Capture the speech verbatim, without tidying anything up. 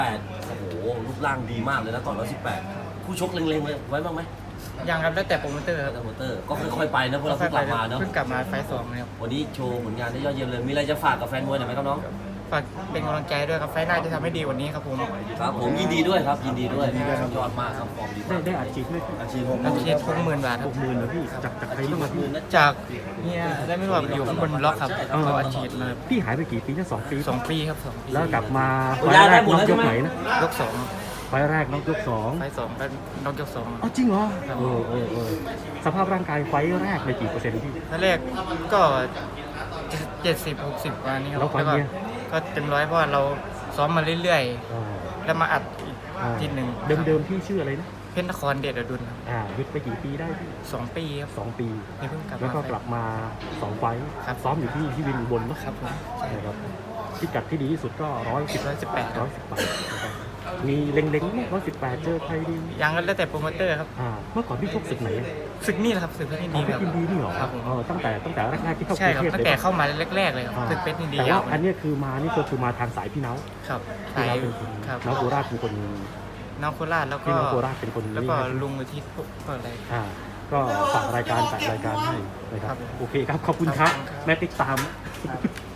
แปดโอ้โหรูปร่างดีมากเลยนะต่อร้อยสิบแปดคู่ชกเล็งๆเลยไว้บ้างไหมยังครับแล้วแต่โปรโมเตอร์ครับโปรโมเตอร์ก็ค่อยๆไปนะพวกเราเพิ่งกลับมาเนาะเพิ่งกลับมาไฟล์สองนะครับวันนี้โชว์ผลงานได้ยอดเยี่ยมเลยมีอะไรจะฝากกับแฟนมวยหน่อยไหมครับน้องฝากเป็นกำลังใจด้วยครับไฟล์หน้าจะทำให้ดีกว่านี้ครับผมครับผมยินดีด้วยครับยินดีด้วยยอดมากครับฟอร์มดีได้มากได้อัดฉีดไหมพี่อาชีพผมนักเชียร์ทุกหมื่นบาทคหรับกหมื่นเหรอพี่จากจากใครบ้างอะพี่จากเนี่ยได้ไม่รู้ว่าอยู่ข้างบนล็อกครับเขาอาชีพมาพี่หายไปกี่ปีนะสองปีสองปีครับสองปีแล้วกลับมาไฟล์แรกน้องยกไหนนะยกสองไฟล์แรกน้องยกสองไฟล์สองก็น้องยกสองอ๋อจริงเหรอครับเออเออเออสภาพร่างกายไฟล์แรกในกี่เปอร์เซ็นต์พี่ไฟล์แรกก็เจ็ดสิบหกสิบวันนี้ครับแล้วไฟล์ก็เนี้ยก็เต็มร้อยเพราะว่าเราซ้อมมาเรื่อยอ่าๆ แล้วมาอัดอีกอ่าทีหนึ่งเดิมเดิมพี่ชื่ออะไรนะเพชรนครเดชอดุลครับอ่าหยุดไปกี่ปีได้พี่สองปีครับสองปีนี่เพิ่งกลับแล้วมาก็กลับมาสองไฟล์ครับซ้อมอยู่ที่ที่วินอุบลเนอะครับผมนะครับพิกัดที่ดีที่สุดก็ร้อยสิบร้อยสิบแปดร้อยสิบแปดนะครับมีเล็งๆร้อยสิบแปดเจอใครดียังก็แล้วแต่โปรโมเตอร์ครับอ่าเมื่อก่อนพี่ชกศึกไหนอะศึกนี่แหละครับศึกเพชรยินอ๋ดีอคพี่รับยินดีนี่เหรอครับผมเออตั้งแต่ตั้งแต่แรกๆที่เข้ากใช่รุงครับเทพตั้งแต่เลยเข้ามาแรกๆเลยครับอ่าศึกเพชรยินดีแต่ว่าครับอันเนี้ยคือมานี่ก็คือมาทางสายพี่เน้าครับพี่สายเน้าเป็นคนครับน้องโคราชเป็นคนน้องโคราชแล้วก็พี่น้องโคราชเป็นคนแล้วนี่ก็นะลุงอุทิศพวกพวกอะไรอ่าก็ฝากรายการฝากรายการให้นะคครัรับบโอเคครับขอบคุณครับครับแม่ติ๊กตาม